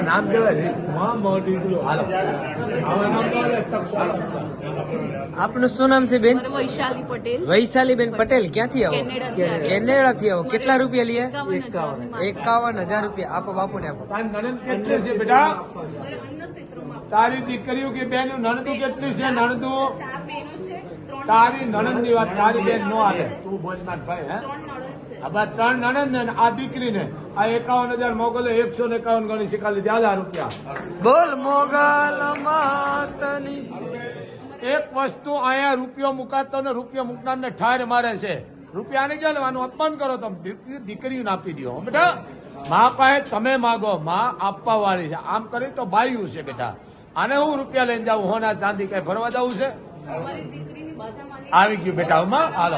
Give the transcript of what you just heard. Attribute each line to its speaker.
Speaker 1: નામ દેવાય.
Speaker 2: આપનું શું નામ છે બેન?
Speaker 3: મારું વૈશાલી પટેલ,
Speaker 2: વૈશાલીબેન પટેલ. ક્યાંથી આવો?
Speaker 3: કેનેડાથી આવી.
Speaker 2: કેનેડાથી આવો. કેટલા રૂપિયા લીએ?
Speaker 3: 51,000
Speaker 2: રૂપિયા. આપો બાપુને આપો.
Speaker 1: તારી નણંદ કેટલી છે બેટા?
Speaker 3: મારા અન્ય ક્ષેત્રમાં
Speaker 1: તારી દીકરીઓ કે બેન નણંદુ કેટલી છે? નણંદુ
Speaker 3: 4 બહેનો છે, 3
Speaker 1: તારી નણંદ ની વાત, તારી બેન નો હાલે. તું બોલ માર ભાઈ. હે
Speaker 3: 3 નણંદ છે.
Speaker 1: આ બા 3 નણંદ ને આ દીકરીને આ 51,000 મોકલે. 151 ગણી શીખાલી 1000 રૂપિયા.
Speaker 2: બોલ મોગલ માતની.
Speaker 1: એક વસ્તુ અહીંયા રૂપિયો મુકાતો ને રૂપિયો મૂકનાર ને ઠાર મારે છે. રૂપિયા નહીં ચાલવાનું, અપમાન કરો તમે. દીકરીઓને આપી દો બેટા. મા પાસે તમે માગો, મા આપવા વાળી છે. આમ કરી તો બાયું છે બેટા. આને હું રૂપિયા લઈને જાઉં? હોના ચાંદી કઈ ભરવા જવું છે?
Speaker 3: મારી દીકરીની બાધા માની
Speaker 1: આવી ગયું બેટા. હાલો.